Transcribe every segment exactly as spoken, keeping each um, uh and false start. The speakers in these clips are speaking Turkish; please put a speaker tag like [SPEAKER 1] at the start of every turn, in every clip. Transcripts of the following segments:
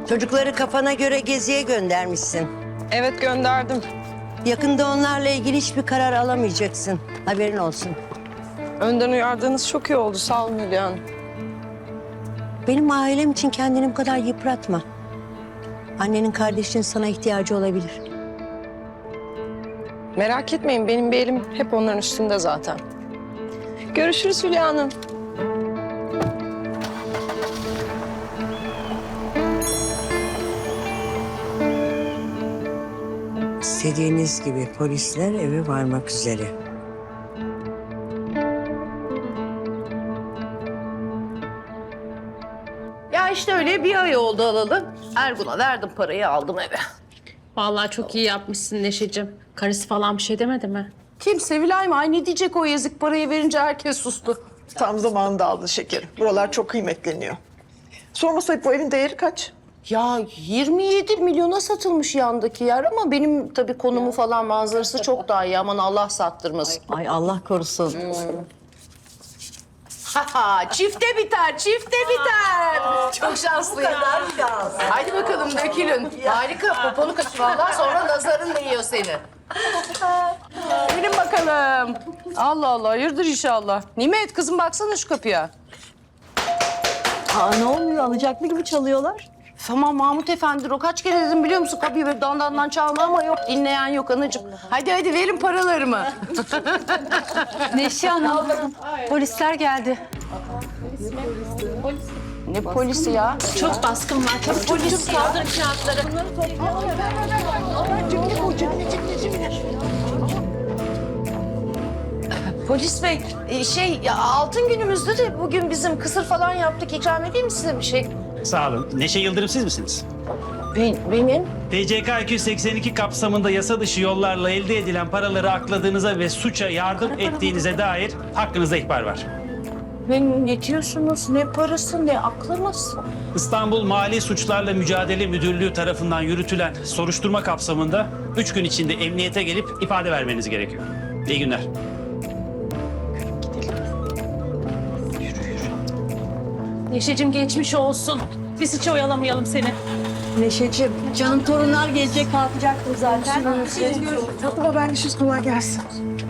[SPEAKER 1] Çocukları kafana göre geziye göndermişsin.
[SPEAKER 2] Evet, gönderdim.
[SPEAKER 1] Yakında onlarla ilgili hiçbir karar alamayacaksın. Haberin olsun.
[SPEAKER 2] Önden uyardığınız çok iyi oldu. Sağ olun Hülya Hanım.
[SPEAKER 1] Benim ailem için kendini bu kadar yıpratma. Annenin kardeşinin sana ihtiyacı olabilir.
[SPEAKER 2] Merak etmeyin, benim bir elim hep onların üstünde zaten. Görüşürüz Hülya Hanım.
[SPEAKER 1] İstediğiniz gibi polisler eve varmak üzere.
[SPEAKER 3] Ya işte öyle bir ay oldu alalı. Ergun'a verdim parayı, aldım eve.
[SPEAKER 4] Vallahi çok iyi yapmışsın Neşeciğim. Karısı falan bir şey demedi mi?
[SPEAKER 3] Kim, Sevilay mı? Ay ne diyecek o yazık, parayı verince herkes sustu.
[SPEAKER 5] Tam zamanında aldı şekerim. Buralar çok kıymetleniyor. Sormasaydı bu evin değeri kaç?
[SPEAKER 3] Ya yirmi yedi milyona satılmış yandaki yer ama benim tabii konumu falan manzarası çok daha iyi. Aman Allah sattırmasın.
[SPEAKER 1] Ay Allah korusun.
[SPEAKER 3] Ha çifte biter, çifte biter. Çok şanslıyım. Haydi bakalım dökülün. Harika, poponu kaçır vallahi, sonra nazarın değiyor seni. Gelin bakalım. Allah Allah, hayırdır inşallah. Nimet kızım, baksana şu kapıya.
[SPEAKER 6] Aa, ne oluyor? Alacaklı gibi çalıyorlar.
[SPEAKER 3] Tamam Mahmut Efendi, o kaç kere dedim biliyor musun? Kapıyı böyle dandandan çalma ama yok, dinleyen yok anacığım. Hadi hadi verin paralarımı.
[SPEAKER 4] Neşe Hanım, polisler geldi.
[SPEAKER 3] Ne polisi ya?
[SPEAKER 4] Çok baskın var. Çok polis kaldır kağıtları.
[SPEAKER 3] Polis bey, e, şey ya, altın günümüzde de bugün bizim kısır falan yaptık. İkram edeyim mi size bir şey?
[SPEAKER 7] Sağ olun. Neşe Yıldırım siz misiniz?
[SPEAKER 3] Ben, benim.
[SPEAKER 7] T C K iki yüz seksen iki kapsamında yasa dışı yollarla elde edilen paraları akladığınıza ve suça yardım ettiğinize dair hakkınızda ihbar var.
[SPEAKER 3] Ben ne diyorsunuz? Ne parası, ne aklınız?
[SPEAKER 7] İstanbul Mali Suçlarla Mücadele Müdürlüğü tarafından yürütülen soruşturma kapsamında üç gün içinde emniyete gelip ifade vermeniz gerekiyor. İyi günler.
[SPEAKER 4] Neşeciğim geçmiş olsun. Biz hiç oyalamayalım seni.
[SPEAKER 6] Neşeciğim, canım torunlar gelecek, kalkacaktım zaten.
[SPEAKER 5] Tatlı haberleşiriz, kolay gelsin.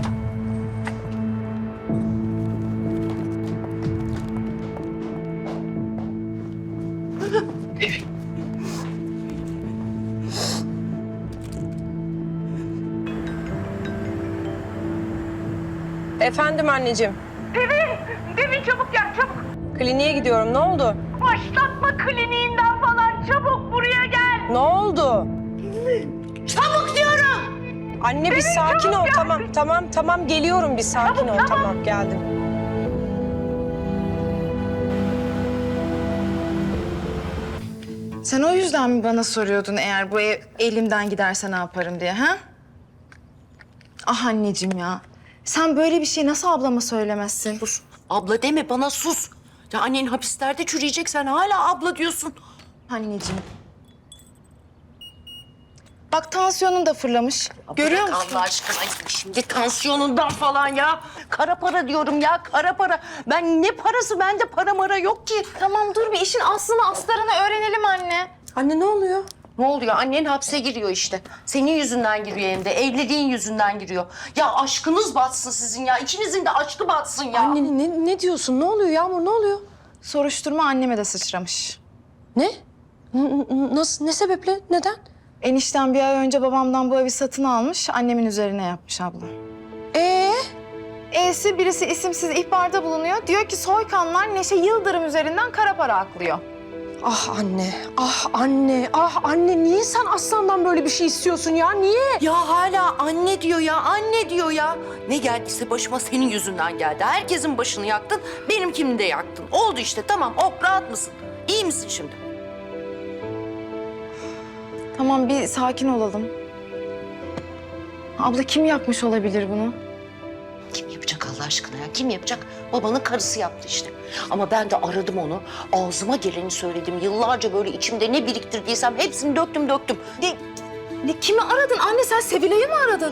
[SPEAKER 2] Efendim anneciğim.
[SPEAKER 8] Devin, Devin çabuk gel çabuk.
[SPEAKER 2] Kliniğe gidiyorum. Ne oldu?
[SPEAKER 8] Başlatma kliniğinden falan, çabuk buraya gel.
[SPEAKER 2] Ne oldu?
[SPEAKER 8] Çabuk diyorum.
[SPEAKER 2] Anne bir sakin ol. Tamam, tamam, tamam. Geliyorum bir sakin ol. Tamam, geldim.
[SPEAKER 9] Sen o yüzden mi bana soruyordun eğer bu ev elimden giderse ne yaparım diye ha? Ah anneciğim ya. Sen böyle bir şey nasıl ablama söylemezsin?
[SPEAKER 3] Sus. Abla deme bana, sus. Ya annen hapislerde çürüyecek, sen hala abla diyorsun.
[SPEAKER 9] Anneciğim. Bak tansiyonun da fırlamış. Görüyor
[SPEAKER 3] Bırak
[SPEAKER 9] musun?
[SPEAKER 3] Allah aşkına şimdi tansiyonundan falan ya. Kara para diyorum ya, kara para. Ben ne parası, bende para mara yok ki.
[SPEAKER 9] Tamam dur bir işin aslını astarını öğrenelim anne.
[SPEAKER 2] Anne ne oluyor?
[SPEAKER 3] Ne oluyor? Annen hapse giriyor işte. Senin yüzünden giriyor hem de. Evliliğin yüzünden giriyor. Ya aşkınız batsın sizin ya. İkinizin de aşkı batsın ya.
[SPEAKER 2] Anne ne, ne diyorsun? Ne oluyor Yağmur? Ne oluyor?
[SPEAKER 9] Soruşturma anneme de sıçramış.
[SPEAKER 2] Ne? N- n- nasıl? Ne sebeple? Neden?
[SPEAKER 9] Enişten bir ay önce babamdan bu evi satın almış, annemin üzerine yapmış abla.
[SPEAKER 2] Ee?
[SPEAKER 9] E'si birisi isimsiz ihbarda bulunuyor. Diyor ki soykanlar Neşe Yıldırım üzerinden kara para aklıyor.
[SPEAKER 2] Ah anne, ah anne, ah anne. Niye sen Aslan'dan böyle bir şey istiyorsun ya? Niye?
[SPEAKER 3] Ya hala anne diyor ya, anne diyor ya. Ne geldiyse başıma senin yüzünden geldi. Herkesin başını yaktın, benimkini de yaktın. Oldu işte, tamam. Oh, rahat mısın? İyi misin şimdi?
[SPEAKER 9] Tamam bir sakin olalım. Abla kim yapmış olabilir bunu?
[SPEAKER 3] Kim yapacak Allah aşkına ya? Kim yapacak? Babanın karısı yaptı işte. Ama ben de aradım onu. Ağzıma geleni söyledim. Yıllarca böyle içimde ne biriktirdiysem hepsini döktüm döktüm.
[SPEAKER 9] Ne, ne, kimi aradın anne? Sen Sevilay'ı mı aradın?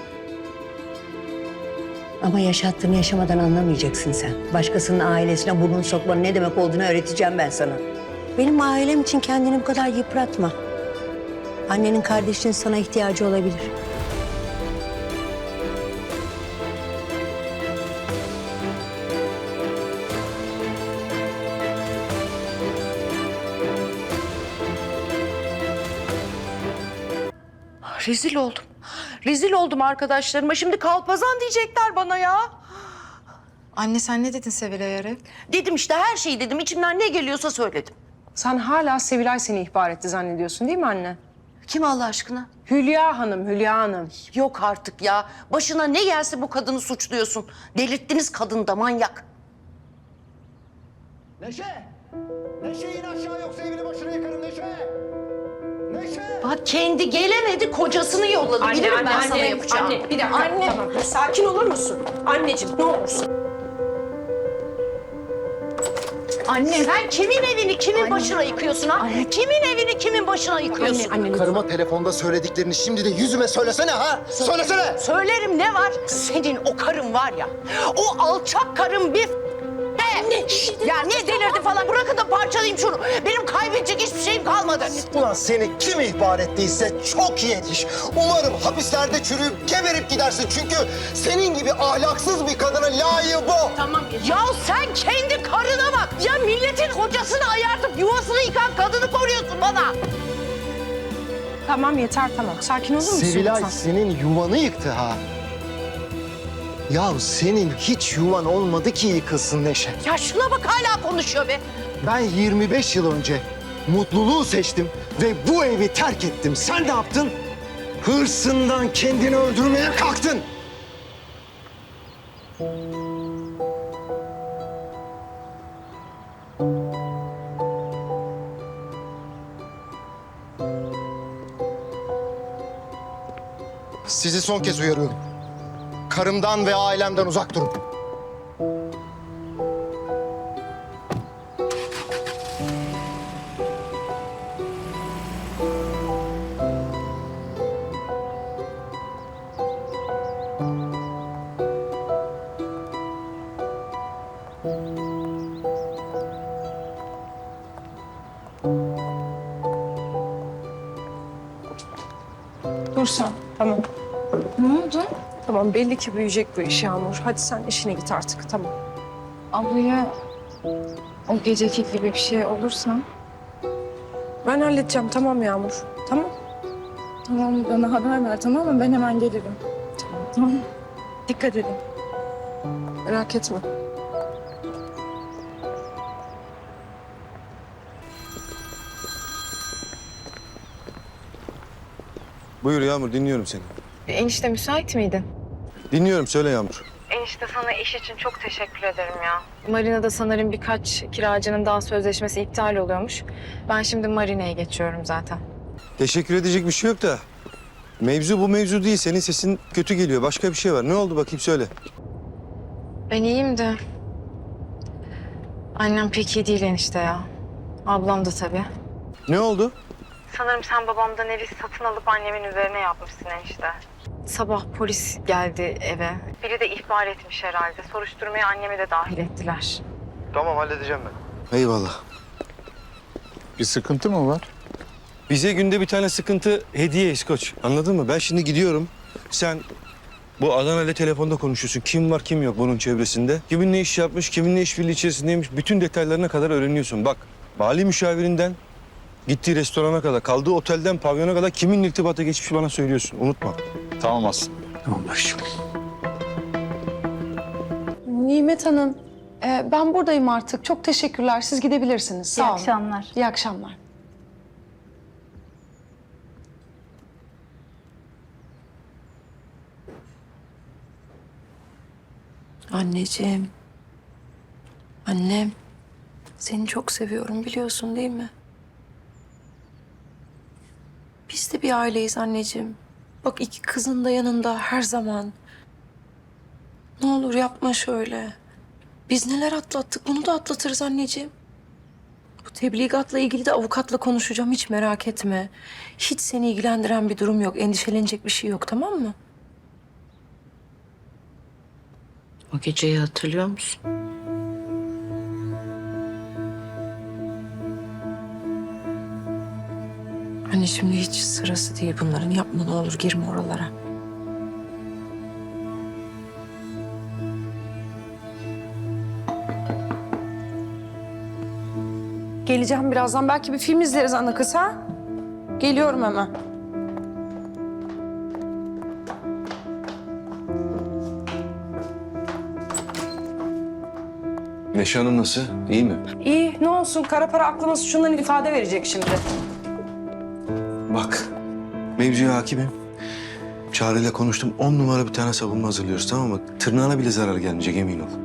[SPEAKER 1] Ama yaşattığını yaşamadan anlamayacaksın sen. Başkasının ailesine burnunu sokmanın ne demek olduğunu öğreteceğim ben sana. Benim ailem için kendini bu kadar yıpratma. Annenin kardeşinin sana ihtiyacı olabilir.
[SPEAKER 3] Rezil oldum. Rezil oldum arkadaşlarıma. Şimdi kalpazan diyecekler bana ya.
[SPEAKER 9] Anne sen ne dedin Sevilay'a Arif?
[SPEAKER 3] Dedim işte her şeyi dedim. İçimden ne geliyorsa söyledim.
[SPEAKER 2] Sen hala Sevilay seni ihbar etti zannediyorsun değil mi anne?
[SPEAKER 3] Kim Allah aşkına?
[SPEAKER 2] Hülya Hanım, Hülya Hanım.
[SPEAKER 3] Yok artık ya. Başına ne gelse bu kadını suçluyorsun. Delirttiniz kadını da manyak.
[SPEAKER 10] Neşe! Neşe in aşağı yoksa evini başına yıkarım Neşe! Neşe!
[SPEAKER 3] Bak kendi gelemedi kocasını yolladı. Bilirim ben sana yapacağım.
[SPEAKER 2] Anne, bir dakika. Anne. Tamam, sakin olur musun? Anneciğim, ne olursun.
[SPEAKER 3] Anne. Sen kimin evini kimin başına yıkıyorsun ha? Kimin evini kimin başına yıkıyorsun?
[SPEAKER 2] Anne, anne.
[SPEAKER 10] Karıma telefonda söylediklerini şimdi de yüzüme söylesene ha! Söylesene!
[SPEAKER 3] Söylerim ne var? Senin o karın var ya. O alçak karın bir ne? Ya niye delirdi falan? Bırakın da parçalayayım şunu. Benim kaybedecek hiçbir şeyim kalmadı.
[SPEAKER 10] Ulan seni kim ihbar ettiyse çok iyi yetiş. Umarım hapislerde çürüyüp geberip gidersin. Çünkü senin gibi ahlaksız bir kadına layığı bu.
[SPEAKER 3] Tamam. Ya sen kendi karına bak. Ya milletin kocasını ayartıp yuvasını yıkan kadını koruyorsun bana.
[SPEAKER 2] Tamam yeter tamam. Sakin olur musun?
[SPEAKER 10] Sevilay
[SPEAKER 2] lütfen?
[SPEAKER 10] senin yuvanı yıktı ha. Ya senin hiç yuvan olmadı ki yıkılsın Neşe.
[SPEAKER 3] Ya şuna bak hala konuşuyor be.
[SPEAKER 10] Ben yirmi beş yıl önce mutluluğu seçtim ve bu evi terk ettim. Sen ne yaptın? Hırsından kendini öldürmeye kalktın. Sizi son kez uyarıyorum. Karımdan ve ailemden uzak durun.
[SPEAKER 2] Dur sen. Tamam.
[SPEAKER 9] Ne oldu?
[SPEAKER 2] Tamam belli ki büyüyecek bu iş Yağmur. Hadi sen işine git artık tamam.
[SPEAKER 9] Ablaya o geceki gibi bir şey olursa...
[SPEAKER 2] Ben halledeceğim tamam Yağmur. Tamam.
[SPEAKER 9] Tamam bana haber ver tamam mı? Ben hemen gelirim. Tamam. Tamam. Dikkat edin.
[SPEAKER 2] Merak etme.
[SPEAKER 11] Buyur Yağmur, dinliyorum seni.
[SPEAKER 9] Enişte müsait miydin?
[SPEAKER 11] Dinliyorum, söyle Yağmur.
[SPEAKER 9] Enişte sana iş için çok teşekkür ederim ya. Marina'da sanırım birkaç kiracının daha sözleşmesi iptal oluyormuş. Ben şimdi Marina'ya geçiyorum zaten.
[SPEAKER 11] Teşekkür edecek bir şey yok da... Mevzu bu mevzu değil, senin sesin kötü geliyor. Başka bir şey var. Ne oldu bakayım söyle.
[SPEAKER 9] Ben iyiyim de... Annem pek iyi değil enişte ya. Ablam da tabii.
[SPEAKER 11] Ne oldu?
[SPEAKER 9] Sanırım sen babamdan evi satın alıp annemin üzerine yapmışsın enişte. Sabah polis geldi eve. Biri de ihbar etmiş herhalde. Soruşturmaya annemi de dahil ettiler.
[SPEAKER 11] Tamam, halledeceğim ben. Eyvallah.
[SPEAKER 12] Bir sıkıntı mı var?
[SPEAKER 11] Bize günde bir tane sıkıntı hediye İskoç. Anladın mı? Ben şimdi gidiyorum. Sen bu Adana'yla telefonda konuşuyorsun. Kim var kim yok bunun çevresinde. Kimin ne iş yapmış, kimin ne işbirliği içerisindeymiş. Bütün detaylarına kadar öğreniyorsun. Bak, mali müşavirinden gittiği restorana kadar, kaldığı otelden pavyona kadar kimin irtibata geçmiş bana söylüyorsun. Unutma.
[SPEAKER 12] Tamam Aslı.
[SPEAKER 11] Tamam başım.
[SPEAKER 2] Nimet Hanım, e, ben buradayım artık. Çok teşekkürler. Siz gidebilirsiniz. Sağ
[SPEAKER 8] İyi
[SPEAKER 2] olun.
[SPEAKER 8] akşamlar.
[SPEAKER 2] İyi akşamlar.
[SPEAKER 13] Anneciğim. Annem. Seni çok seviyorum biliyorsun değil mi? Biz de bir aileyiz anneciğim. Bak iki kızın da yanında her zaman. Ne olur yapma şöyle. Biz neler atlattık bunu da atlatırız anneciğim. Bu tebligatla ilgili de avukatla konuşacağım hiç merak etme. Hiç seni ilgilendiren bir durum yok. Endişelenecek bir şey yok tamam mı?
[SPEAKER 1] O geceyi hatırlıyor musun?
[SPEAKER 13] Anne şimdi hiç sırası değil bunların. Yapma ne olur, girme oralara. Geleceğim birazdan. Belki bir film izleriz ana kız ha? Geliyorum hemen.
[SPEAKER 11] Neşe Hanım nasıl? İyi mi?
[SPEAKER 2] İyi ne olsun kara para aklaması şundan ifade verecek şimdi.
[SPEAKER 11] Bak, mevzuya hakimim. Çağrı'yla konuştum. On numara bir tane savunma hazırlıyoruz, tamam mı? Tırnağına bile zarar gelmeyecek, emin ol.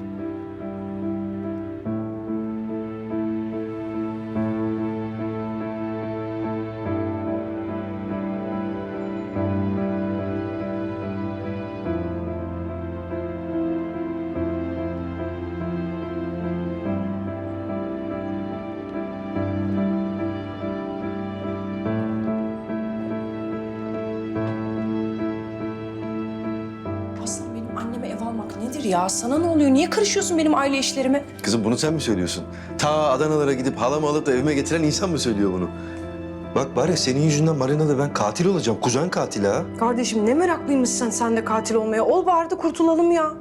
[SPEAKER 2] Aslan benim anneme ev almak nedir ya? Sana ne oluyor? Niye karışıyorsun benim aile işlerime?
[SPEAKER 11] Kızım bunu sen mi söylüyorsun? Ta Adanalara gidip halamı alıp da evime getiren insan mı söylüyor bunu? Bak bari senin yüzünden marinada ben katil olacağım. Kuzen katili ha.
[SPEAKER 2] Kardeşim ne meraklıymışsın sen de katil olmaya. Ol bari de kurtulalım ya.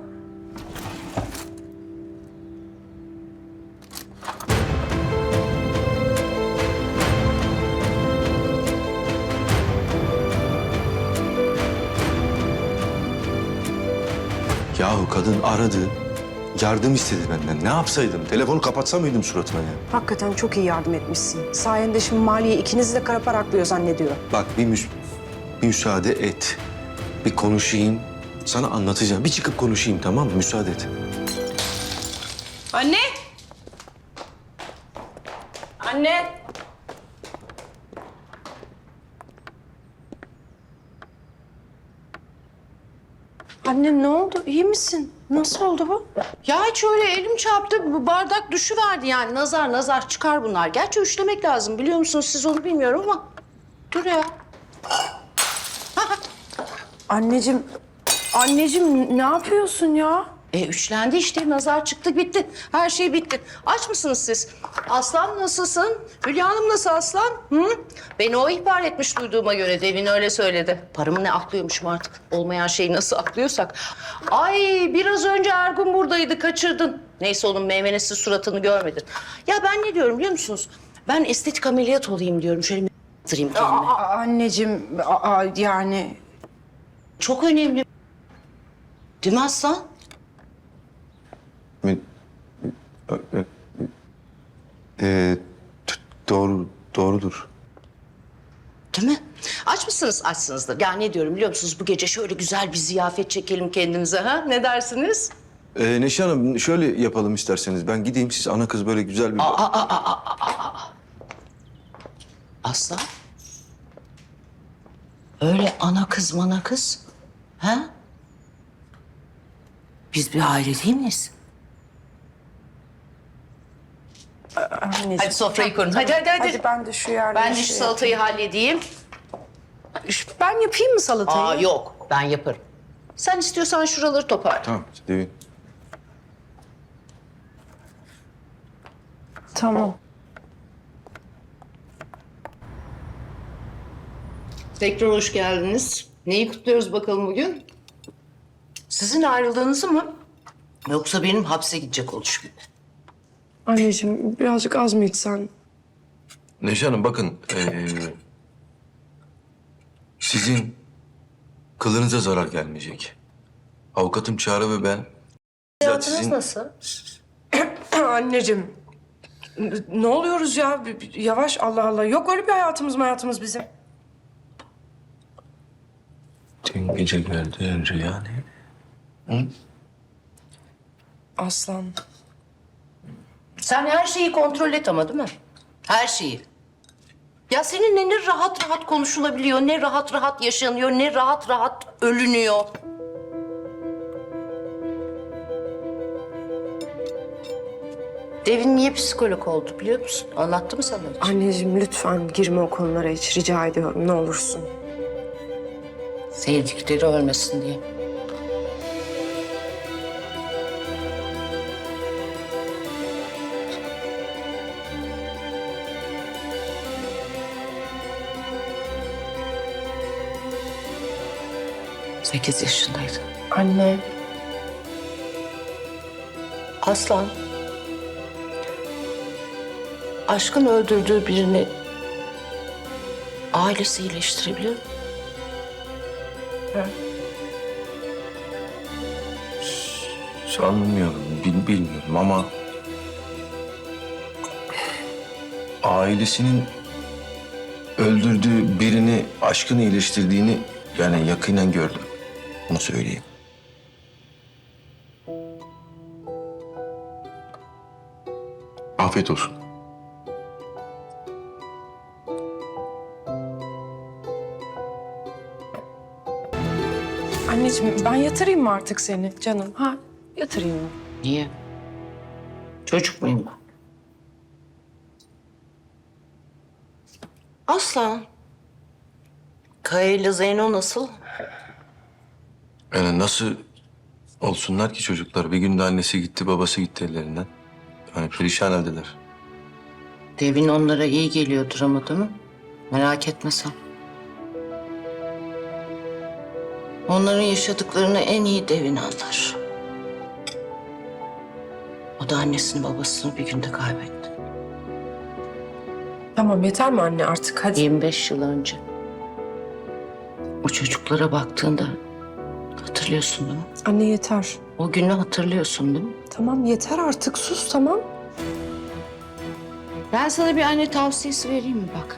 [SPEAKER 11] Yahu kadın aradı. Yardım istedi benden. Ne yapsaydım? Telefonu kapatsa mıydım suratına ya?
[SPEAKER 2] Hakikaten çok iyi yardım etmişsin. Sayende şimdi Maliye ikinizi de kara para aklıyor zannediyor.
[SPEAKER 11] Bak bir, müs bir müsaade et. Bir konuşayım. Sana anlatacağım. Bir çıkıp konuşayım, tamam mı? Müsaade et.
[SPEAKER 2] Anne! Anne! Anne ne oldu? İyi misin? Nasıl oldu bu?
[SPEAKER 3] Ya hiç öyle elim çarptı, bu bardak düşüverdi yani. Nazar nazar çıkar bunlar. Gerçi üçlemek lazım biliyor musunuz siz onu bilmiyorum ama. Dur ya.
[SPEAKER 2] Anneciğim, anneciğim ne yapıyorsun ya?
[SPEAKER 3] E üçlendi işte, nazar çıktı bitti. Her şey bitti. Aç mısınız siz? Aslan nasılsın? Hülya Hanım nasıl aslan? Hı? Beni o ihbar etmiş duyduğuma göre, Devin öyle söyledi. Paramı ne aklıyormuşum artık. Olmayan şeyi nasıl aklıyorsak. Ay biraz önce Ergun buradaydı, kaçırdın. Neyse onun meymenesiz suratını görmedin. Ya ben ne diyorum biliyor musunuz? Ben estetik ameliyat olayım diyorum. Şöyle bir kendime.
[SPEAKER 2] Aa, anneciğim, aa, yani...
[SPEAKER 3] Çok önemli. Değil mi aslan?
[SPEAKER 11] Ee, t- doğru, doğrudur.
[SPEAKER 3] Değil mi? Aç mısınız? Açsınızdır. Ya ne diyorum biliyor musunuz? Bu gece şöyle güzel bir ziyafet çekelim kendimize ha? Ne dersiniz?
[SPEAKER 11] Ee, Neşe Hanım şöyle yapalım isterseniz. Ben gideyim, siz ana kız böyle güzel bir...
[SPEAKER 3] Aa, aa, aa, aa, aa, aa. Aslan? Öyle ana kız mana kız. Ha? Biz bir aile değil miyiz?
[SPEAKER 2] Anneciğim.
[SPEAKER 3] Hadi sofrayı kurun. Hadi hadi hadi.
[SPEAKER 2] Hadi ben de şu yerde...
[SPEAKER 3] Ben de şu salatayı halledeyim.
[SPEAKER 2] Ben yapayım mı salatayı?
[SPEAKER 3] Aa yok, ben yaparım. Sen istiyorsan şuraları toparla.
[SPEAKER 11] Tamam, Devin.
[SPEAKER 2] Tamam.
[SPEAKER 3] Tekrar hoş geldiniz. Neyi kutluyoruz bakalım bugün? Sizin ayrıldığınızı mı? Yoksa benim hapse gidecek oluşum mu?
[SPEAKER 2] Anneciğim birazcık az mı içsen?
[SPEAKER 11] Neşe Hanım bakın, ee, sizin kılınıza zarar gelmeyecek. Avukatım Çağrı ve ben...
[SPEAKER 3] Hayatınız
[SPEAKER 11] sizin-
[SPEAKER 3] nasıl?
[SPEAKER 2] Anneciğim, ne oluyoruz ya? Bir- bir- Yavaş Allah Allah. Yok öyle bir hayatımız mı hayatımız bizim?
[SPEAKER 11] Dün gece gördüğün rüya neydi? Hı?
[SPEAKER 2] Aslan.
[SPEAKER 3] Sen her şeyi kontrol et ama değil mi? Her şeyi. Ya seninle ne rahat rahat konuşulabiliyor, ne rahat rahat yaşanıyor, ne rahat rahat ölünüyor. Devin niye psikolog oldu biliyor musun? Anlattı mı sana hiç?
[SPEAKER 2] Anneciğim lütfen girme o konulara hiç. Rica ediyorum ne olursun.
[SPEAKER 3] Sevdikleri ölmesin diye. Sekiz yaşındaydı.
[SPEAKER 2] Anne.
[SPEAKER 3] Aslan. Aşkın öldürdüğü birini ailesi iyileştirebilir mi?
[SPEAKER 11] Sanmıyorum, bil, bilmiyorum ama... ailesinin öldürdüğü birini aşkın iyileştirdiğini yani yakinen gördüm. Bunu söyleyeyim. Afiyet olsun.
[SPEAKER 2] Anneciğim ben yatırayım mı artık seni canım? Ha yatırayım mı?
[SPEAKER 3] Niye? Çocuk muyum ben? Aslan. Kaya ile Zeyno nasıl?
[SPEAKER 11] Yani nasıl olsunlar ki çocuklar? Bir günde annesi gitti, babası gitti ellerinden. Hani perişan haldeler.
[SPEAKER 3] Devin onlara iyi geliyordur ama değil mi? Merak etme sen. Onların yaşadıklarını en iyi Devin anlar. O da annesini babasını bir günde kaybetti.
[SPEAKER 2] Tamam yeter mi anne artık hadi.
[SPEAKER 3] yirmi beş yıl önce. O çocuklara baktığında hatırlıyorsun değil mi?
[SPEAKER 2] Anne yeter.
[SPEAKER 3] O günü hatırlıyorsun değil mi?
[SPEAKER 2] Tamam yeter artık sus tamam.
[SPEAKER 3] Ben sana bir anne tavsiyesi vereyim mi bak?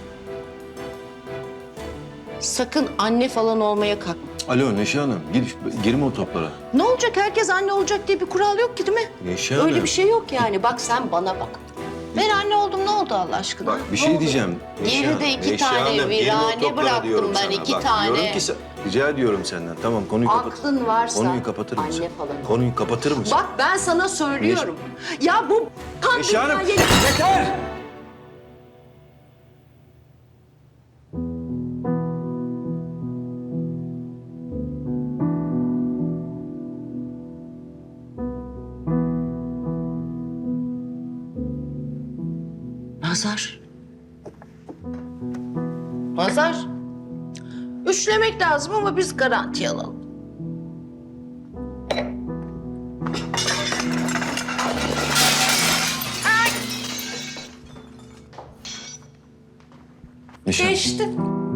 [SPEAKER 3] Sakın anne falan olmaya kalkma.
[SPEAKER 11] Alo Neşe Hanım, gir, girme o toplara.
[SPEAKER 3] Ne olacak? Herkes anne olacak diye bir kural yok ki değil mi?
[SPEAKER 11] Neşe Hanım.
[SPEAKER 3] Öyle bir şey yok yani. Bak sen bana bak. Ben anne oldum ne oldu Allah aşkına?
[SPEAKER 11] Bak bir
[SPEAKER 3] Ne
[SPEAKER 11] şey
[SPEAKER 3] oldu?
[SPEAKER 11] diyeceğim. Neşe
[SPEAKER 3] Geride
[SPEAKER 11] Hanım,
[SPEAKER 3] iki
[SPEAKER 11] Neşe
[SPEAKER 3] tane
[SPEAKER 11] Hanım, girme o
[SPEAKER 3] virane
[SPEAKER 11] toplara
[SPEAKER 3] bıraktım
[SPEAKER 11] diyorum
[SPEAKER 3] ben,
[SPEAKER 11] sana.
[SPEAKER 3] iki
[SPEAKER 11] Bak,
[SPEAKER 3] tane.
[SPEAKER 11] Diyorum ki sen, rica ediyorum senden. Tamam konuyu kapat.
[SPEAKER 3] Aklın varsa
[SPEAKER 11] Konuyu kapatır mısın?
[SPEAKER 3] anne falan ol.
[SPEAKER 11] Konuyu kapatır mısın?
[SPEAKER 3] Bak ben sana söylüyorum. Ya bu kan
[SPEAKER 11] Neşe Hanım,
[SPEAKER 3] dünyaya-
[SPEAKER 11] yeter!
[SPEAKER 3] Nazar. Nazar. Üçlemek lazım ama biz garanti alalım.
[SPEAKER 11] Neşe Hanım.
[SPEAKER 3] Geçti.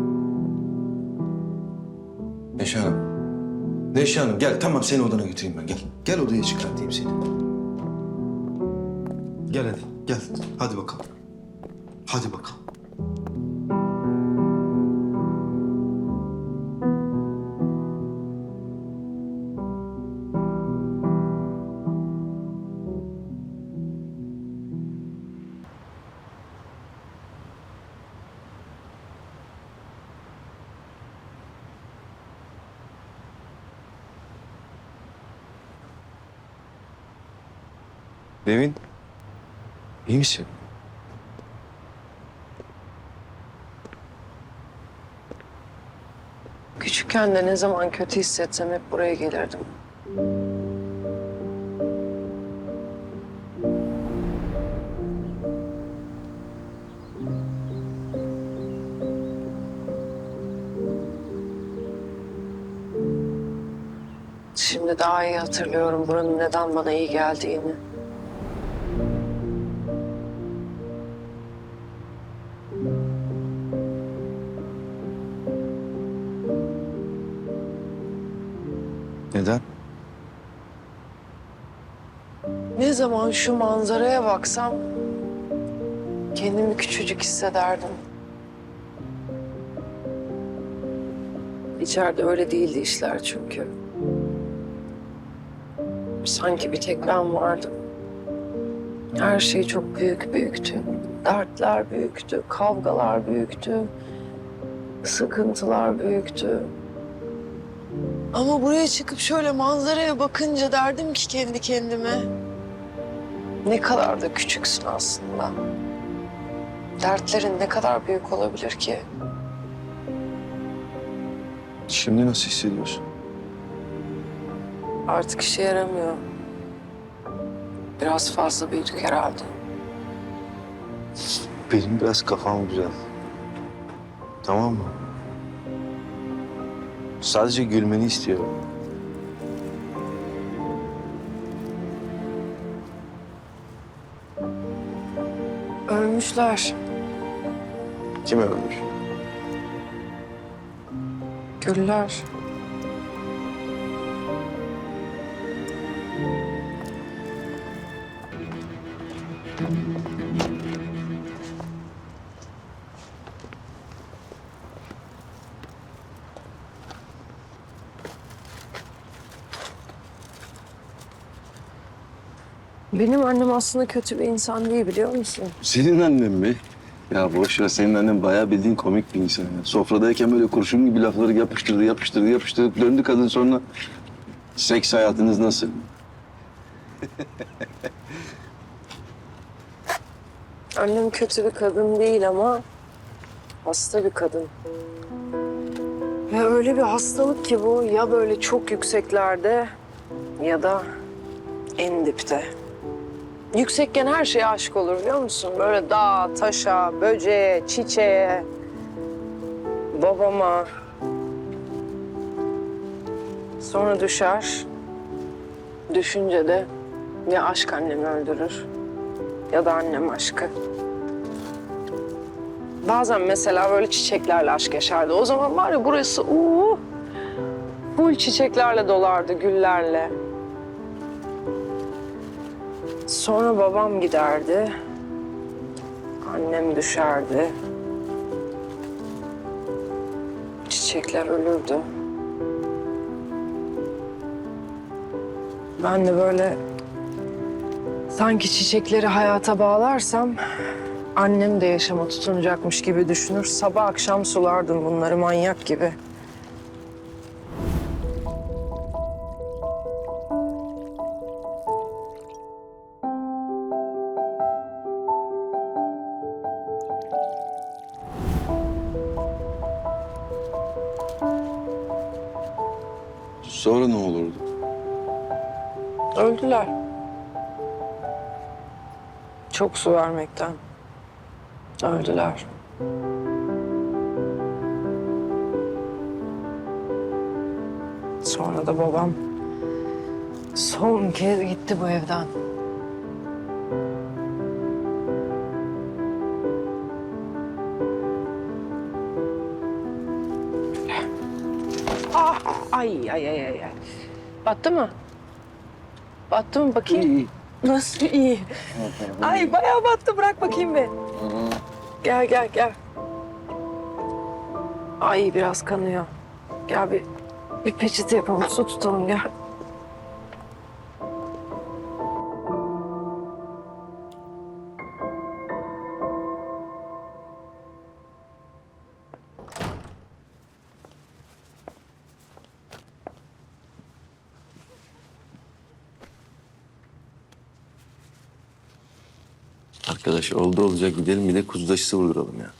[SPEAKER 11] Neşe Hanım. Neşe Hanım gel tamam seni odana götüreyim ben gel. Gel odaya çıkartayım seni. Gel hadi gel. Hadi bakalım. Hadi bakalım. Devin, iyi misin?
[SPEAKER 13] Küçükken de ne zaman kötü hissetsem hep buraya gelirdim. Şimdi daha iyi hatırlıyorum buranın neden bana iyi geldiğini.
[SPEAKER 11] Neden?
[SPEAKER 13] Ne zaman şu manzaraya baksam kendimi küçücük hissederdim. İçeride öyle değildi işler çünkü. Sanki bir tek ben vardım. Her şey çok büyük büyüktü. Dertler büyüktü, kavgalar büyüktü, sıkıntılar büyüktü. Ama buraya çıkıp şöyle manzaraya bakınca derdim ki kendi kendime... ne kadar da küçüksün aslında. Dertlerin ne kadar büyük olabilir ki?
[SPEAKER 11] Şimdi nasıl hissediyorsun?
[SPEAKER 13] Artık işe yaramıyor. Biraz fazla büyüdük herhalde.
[SPEAKER 11] Benim biraz kafam güzel. Tamam mı? Sadece gülmeni istiyorum.
[SPEAKER 13] Ölmüşler.
[SPEAKER 11] Kim ölmüş?
[SPEAKER 13] Güller. Benim annem aslında kötü bir insan değil, biliyor musun?
[SPEAKER 11] Senin annen mi? Ya boş ver, senin annen bayağı bildiğin komik bir insan ya. Sofradayken böyle kurşun gibi lafları yapıştırdı, yapıştırdı, yapıştırdı. Döndü kadın sonra. Seks hayatınız nasıl?
[SPEAKER 13] Annem kötü bir kadın değil ama hasta bir kadın. Ve öyle bir hastalık ki bu, ya böyle çok yükseklerde ya da en dipte. Yüksekken her şeye aşık olur, biliyor musun? Böyle dağa, taşa, böceğe, çiçeğe, babama. Sonra düşer. Düşünce de ya aşk annemi öldürür ya da annem aşkı. Bazen mesela böyle çiçeklerle aşk yaşardı. O zaman var ya burası uuu, full çiçeklerle dolardı, güllerle. Sonra babam giderdi, annem düşerdi. Çiçekler ölürdü. Ben de böyle sanki çiçekleri hayata bağlarsam annem de yaşama tutunacakmış gibi düşünür. Sabah akşam sulardım bunları manyak gibi.
[SPEAKER 11] Sonra ne olurdu?
[SPEAKER 13] Öldüler. Çok su vermekten. Öldüler. Sonra da babam son kez gitti bu evden. Ah, ay ay ay ay. Battı mı? Battı mı bakayım?
[SPEAKER 11] İyi.
[SPEAKER 13] Nasıl iyi? Ay bayağı battı, bırak bakayım bir. Gel gel gel. Ay biraz kanıyor. Gel bir, bir peçete yapalım, su tutalım gel.
[SPEAKER 11] Arkadaş oldu olacak gidelim bir de kuzu aşısı vurduralım ya.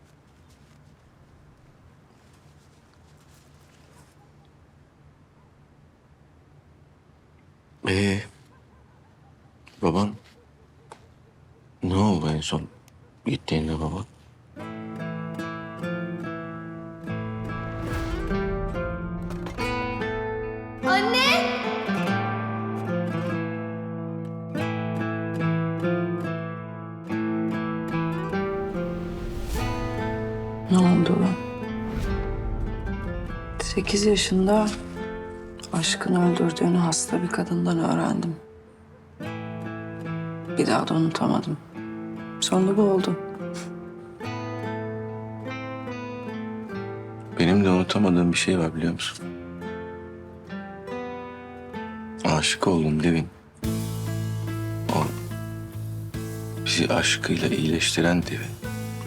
[SPEAKER 11] Ee, baban ne oldu en son gittiğinde baba?
[SPEAKER 13] Ne oldu? Sekiz yaşında aşkını öldürdüğünü hasta bir kadından öğrendim. Bir daha da unutamadım. Sonra bu oldu.
[SPEAKER 11] Benim de unutamadığım bir şey var biliyor musun? Aşık oldum Devin. O bizi aşkıyla iyileştiren Devin.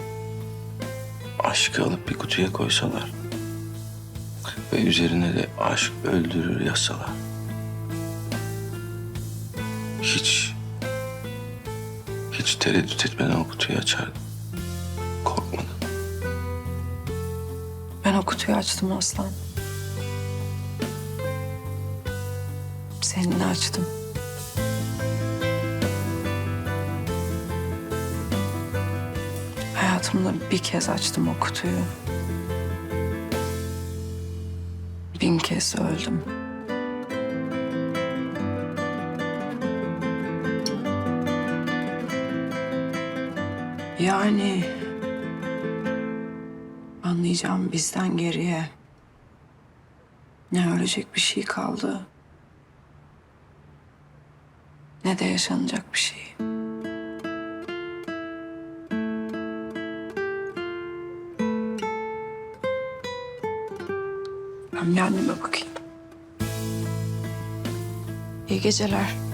[SPEAKER 11] Aşkı alıp bir kutuya koysalar ve üzerine de aşk öldürür yazsalar. Hiç, hiç tereddüt etmeden o kutuyu açardım. Korkmadan.
[SPEAKER 13] Ben o kutuyu açtım Aslan. Seninle açtım. Hayatımda bir kez açtım o kutuyu. bin kez öldüm. Yani anlayacağım bizden geriye ne ölecek bir şey kaldı ne de yaşanacak bir şey. Ben bir anneme bakayım. İyi geceler.